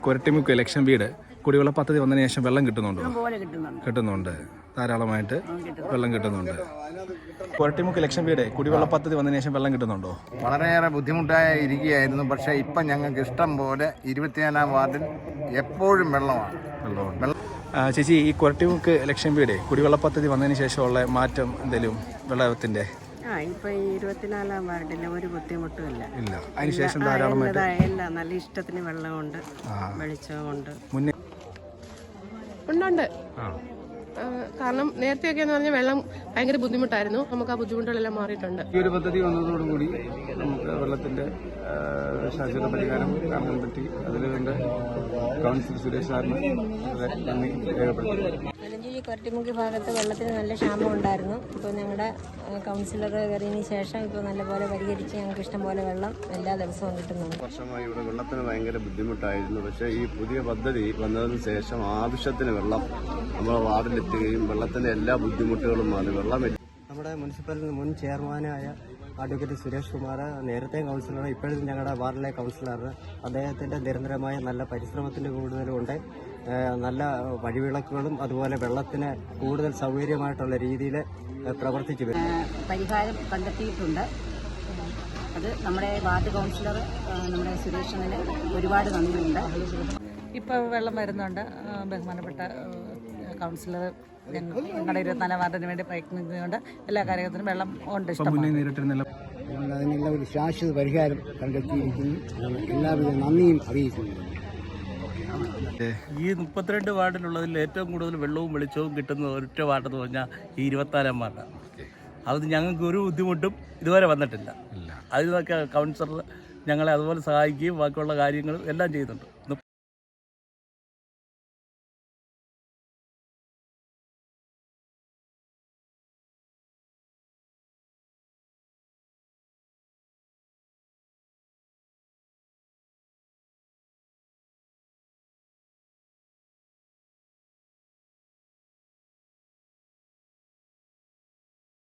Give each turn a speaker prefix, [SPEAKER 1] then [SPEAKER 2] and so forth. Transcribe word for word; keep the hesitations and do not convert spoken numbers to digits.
[SPEAKER 1] കൊരട്ടിമുക്ക് election വീട് കുടിവെള്ള പദ്ധതി വന്നതിന് ശേഷം വെള്ളം കിട്ടുന്നുണ്ടോ? കിട്ടുന്നുണ്ട്, ധാരാളമായിട്ട് വെള്ളം കിട്ടുന്നുണ്ട്. കൊരട്ടിമുക്ക് ഇലക്ഷൻ വീട് കുടിവെള്ള പദ്ധതി വന്നതിന് ശേഷം വെള്ളം കിട്ടുന്നുണ്ടോ?
[SPEAKER 2] വളരെയേറെ ബുദ്ധിമുട്ടായി ഇരിക്കുകയായിരുന്നു. പക്ഷേ ഇപ്പം ഞങ്ങൾക്ക് ഇഷ്ടം പോലെ ഇരുപത്തിനാലാം വാർഡിൽ എപ്പോഴും വെള്ളമാണ്.
[SPEAKER 1] വെള്ളമുണ്ട്. ചേച്ചി, ഈ കൊരട്ടിമുക്ക് ഇലക്ഷൻ വീട് കുടിവെള്ള പദ്ധതി വന്നതിന് ശേഷമുള്ള മാറ്റം എന്തെങ്കിലും വെള്ളത്തിൻ്റെ?
[SPEAKER 3] ആ ഇപ്പൊ ഈ ഇരുപത്തിനാലാം വാർഡില്ല ഒരു ബുദ്ധിമുട്ടും ഇല്ല.
[SPEAKER 1] ഇല്ല, അതിനുശേഷം ധാരാളമായിട്ട്
[SPEAKER 3] എല്ലാം നല്ല ഇഷ്ടത്തിന് വെള്ളമുണ്ട്, വെളിച്ചമുണ്ട്.
[SPEAKER 1] മുന്നേ
[SPEAKER 4] ഉണ്ടുണ്ട്. കാരണം നേരത്തെയൊക്കെ എന്ന് പറഞ്ഞാൽ വെള്ളം ഭയങ്കര ബുദ്ധിമുട്ടായിരുന്നു. നമുക്ക് ആ ബുദ്ധിമുട്ടുകളെല്ലാം മാറിയിട്ടുണ്ട്.
[SPEAKER 1] ഈ ഒരു പദ്ധതി വന്നതോടുകൂടി നമുക്ക് വെള്ളത്തിന്റെ ശാശ്വത പരിഹാരം കാണാൻ പറ്റി. അതിലുകൊണ്ട് കൗൺസിലർ സുരേഷ് സാറിന് നന്ദി രേഖപ്പെടുത്തി.
[SPEAKER 5] മലഞ്ചേരി കൊരട്ടിമുക്ക് ഭാഗത്ത് വെള്ളത്തിന് നല്ല ക്ഷാമം ഉണ്ടായിരുന്നു. ഇപ്പോൾ ഞങ്ങളുടെ കൗൺസിലർ കയറിയതിന് ശേഷം ഇപ്പോൾ നല്ലപോലെ പരിഹരിച്ച് ഞങ്ങൾക്ക് ഇഷ്ടം പോലെ വെള്ളം എല്ലാ ദിവസവും കിട്ടുന്നുണ്ട്.
[SPEAKER 6] വർഷമായി ഇവിടെ വെള്ളത്തിന് ഭയങ്കര ബുദ്ധിമുട്ടായിരുന്നു. പക്ഷേ ഈ പുതിയ പദ്ധതി വന്നതിന് ശേഷം ആവശ്യത്തിന് വെള്ളം നമ്മുടെ വാർഡിലെത്തുകയും വെള്ളത്തിന്റെ എല്ലാ ബുദ്ധിമുട്ടുകളും മാറി. വെള്ളം
[SPEAKER 7] നമ്മുടെ മുനിസിപ്പൽ മുൻ ചെയർമാനായ അഡ്വക്കേറ്റ് സുരേഷ് കുമാർ, നേരത്തെ കൗൺസിലർ, ഇപ്പോഴും ഞങ്ങളുടെ വാർഡിലെ കൗൺസിലർ, അദ്ദേഹത്തിൻ്റെ നിരന്തരമായ നല്ല പരിശ്രമത്തിൻ്റെ കൂടുതലുണ്ട്. നല്ല വഴിവിളക്കുകളും അതുപോലെ വെള്ളത്തിന് കൂടുതൽ സൗകര്യമായിട്ടുള്ള രീതിയിൽ പ്രവർത്തിച്ചു വരും.
[SPEAKER 8] പരിഹാരം കണ്ടെത്തിയിട്ടുണ്ട്. അത് നമ്മുടെ വാർഡ് കൗൺസിലർ നമ്മുടെ സുരേഷിന് ഒരുപാട് നന്ദിയുണ്ട്.
[SPEAKER 9] ഇപ്പോൾ വെള്ളം വരുന്നുണ്ട്. ബഹുമാനപ്പെട്ട കൗൺസിലർ ഞങ്ങളുടെ ഇരുപത്തിനാലാം വാർഡിന് വേണ്ടി പ്രയത്നിക്കുന്നുണ്ട്. എല്ലാ കാര്യത്തിനും വെള്ളം ഉണ്ട്.
[SPEAKER 7] അതിനുള്ള ഒരു ശാശ്വത പരിഹാരം കണ്ടെത്തിയിരിക്കുന്നു. എല്ലാവിധ നന്ദിയും അറിയിക്കുന്നു.
[SPEAKER 10] ഈ മുപ്പത്തിരണ്ട് വാർഡിലുള്ളതിൽ ഏറ്റവും കൂടുതൽ വെള്ളവും വെളിച്ചവും കിട്ടുന്ന ഒരൊറ്റ വാർഡെന്ന് പറഞ്ഞാൽ ഈ ഇരുപത്തിനാലാം വാർഡാണ്. അത് ഞങ്ങൾക്ക് ഒരു ബുദ്ധിമുട്ടും ഇതുവരെ വന്നിട്ടില്ല. അതിനൊക്കെ കൗൺസിലർ ഞങ്ങളെ അതുപോലെ സഹായിക്കുകയും ബാക്കിയുള്ള കാര്യങ്ങളും എല്ലാം ചെയ്യുന്നുണ്ട്.